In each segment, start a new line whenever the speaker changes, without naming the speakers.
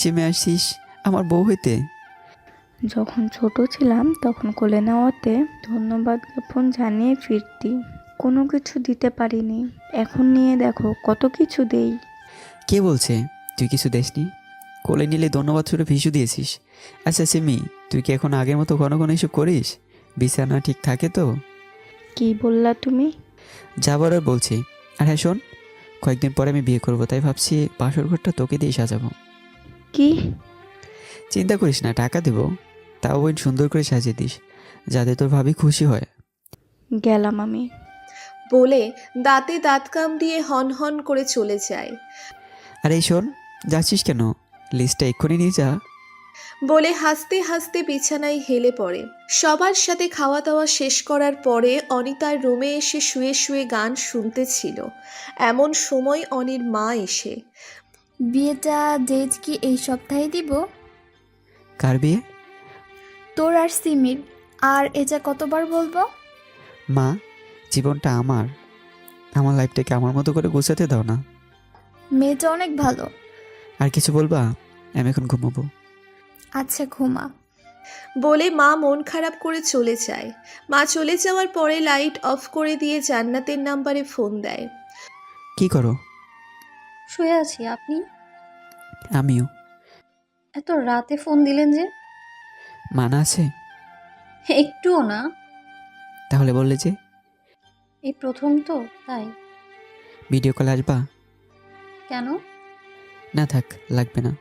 চেমে আসছিস আমার বউ হইতে।
যখন ছোট ছিলাম তখন কোলে নেওয়াতে ধন্যবাদ জ্ঞাপন জানিয়ে ফিরতি। কোনো কিছু দিতে পারিনি, এখন নিয়ে দেখো কত কিছু দেই।
কে বলছে তুই কিছু দেসনি? কোলে নিলে ধন্যবাদ ছুড়ে ভিসু দিয়েছিস। আচ্ছা সিমি, তুই কি এখন আগের মতো ঘন ঘন এসব করিস? বিছানা ঠিক থাকে তো?
কি বললা তুমি?
যাবার আর বলছি। আর হ্যাঁ শোন, কয়েকদিন পরে আমি বিয়ে করবো, তাই ভাবছি বাসর ঘরটা তোকে দিয়ে সাজাবো।
কি?
চিন্তা করিস না, টাকা দেবো। তাও ওই সুন্দর করে সাজিয়ে দিস, যাতে তোর ভাবি খুশি হয়।
গেলাম আমি।
বলে দাঁতে দাঁত কামড়িয়ে হন হন করে চলে যায়।
আর এই শোন, যাচ্ছিস কেন? লিস্টটা এক্ষুনি নিয়ে যা।
বলে হাসতে হাসতে বিছানায় হেলে পড়ে। সবার সাথে খাওয়া দাওয়া শেষ করার পরে অনিতার রুমে এসে শুয়ে শুয়ে গান শুনতেছিল। এমন সময় অনির মা এসে
বিয়েটা ডেট কি এই সপ্তাহে দিব?
কার বিয়ে?
তোর আর সিমির। আর এটা কতবার বলবো?
মা, জীবনটা আমার, আমার লাইফটাকে আমার মতো করে গোছাতে দাও না।
মেয়েটা অনেক ভালো।
আর কিছু বলবা? আমি এখন ঘুমাবো।
আচ্ছা ঘুমা।
বলে মা মন খারাপ করে চলে যায়। মা চলে যাওয়ার পরে লাইট অফ করে দিয়ে জান্নাতের নাম্বারে ফোন দেয়।
কি করো?
শুয়ে আছি, আপনি?
আমিও।
এত রাতে ফোন দিলেন যে?
মানা আছে?
একটুও না।
তাহলে বললে যে?
এই প্রথম তো, তাই।
ভিডিও কল আসবা?
কেন?
না থাক, লাগবে না।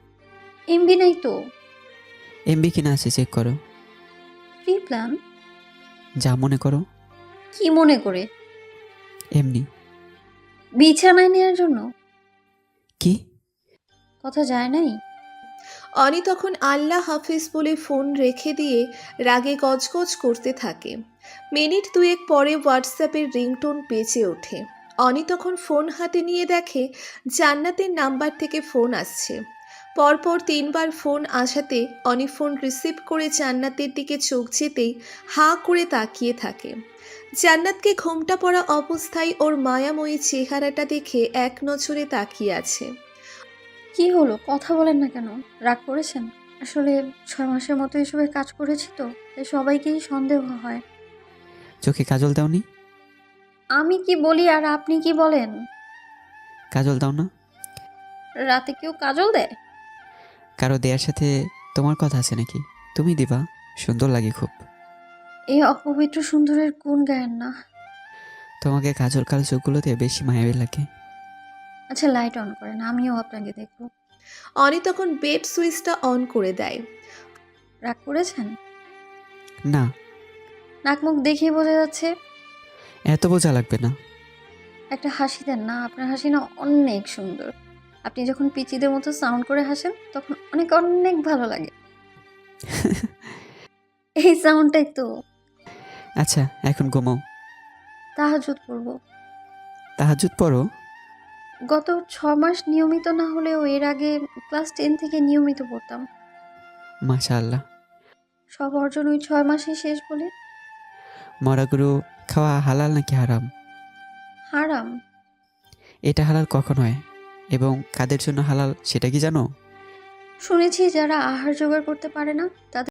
এমবি নাই তো।
এমবি কিনা আছে চেক করো।
Pre plan?
যা মনে করো।
কি মনে করে?
এমনি।
বিছানায় নেওয়ার জন্য?
কি?
কথা যায় নাই?
অনি তখন আল্লাহ হাফিজ বলে ফোন রেখে দিয়ে রাগে গজগজ করতে থাকে। মিনিট দুয়েক পরে হোয়াটসঅ্যাপের রিংটোন বেজে ওঠে। অনি তখন ফোন হাতে নিয়ে দেখে জান্নাতের নাম্বার থেকে ফোন আসছে। পরপর তিনবার ফোন আসাতে অনি ফোন রিসিভ করে জান্নাতের দিকে চোখ যেতেই হাঁ করে তাকিয়ে থাকে। জান্নাতকে ঘোমটা পড়া অবস্থায় ওর মায়াময়ী চেহারাটা দেখে এক নজরে তাকিয়ে আছে।
কি হলো, কথা বলেন না কেন? রাগ করেছেন? আসলে 6 মাসের মতো এসবের কাজ করেছি তো, তাই সবাইকেই সন্দেহ হয়।
চোখে কাজল দাওনি?
আমি কি বলি আর আপনি কি বলেন?
কাজল দাও না?
রাতে কেউ কাজল দেয়?
কারো দেয়ার সাথে তোমার কথা আছে নাকি? তুমি দিবা, সুন্দর লাগে খুব।
এই অপবিত্র সুন্দরের কোন গায়ের না?
তোমাকে কাজল কালো চোখগুলোতে বেশি মায়াবী লাগে।
আচ্ছা লাইট অন করেন, আমিও আপনাকে দেখবো।
অনি তখন বেড সুইচটা অন করে দেয়।
রাগ করেছেন?
না,
নাক মুখ দেখেই বোঝা যাচ্ছে।
এত বোঝা লাগবে না।
একটা হাসি দেন না, আপনার হাসি না অনেক সুন্দর। আপনি যখন পিচিদের মতো সাউন্ড করে হাসেন তখন অনেক অনেক ভালো লাগে। এই সাউন্ডটাই তো।
আচ্ছা এখন ঘুমাও।
তাহাজ্জুদ পড়বো।
তাহাজ্জুদ পড়ো?
গত 6 মাস নিয়মিত না হলেও এর আগে ক্লাস 10 থেকে নিয়মিত পড়তাম।
মাশাআল্লাহ।
সব অর্জন ওই 6 মাসেই শেষ বলে।
মরা গরু খাওয়া হালাল নাকি হারাম?
হারাম।
এটা হালাল কখন হয় এবং কাদের জন্য হালাল সেটা কি জানো?
শুনেছি যারা আহার জোগাড় করতে পারে না তাদের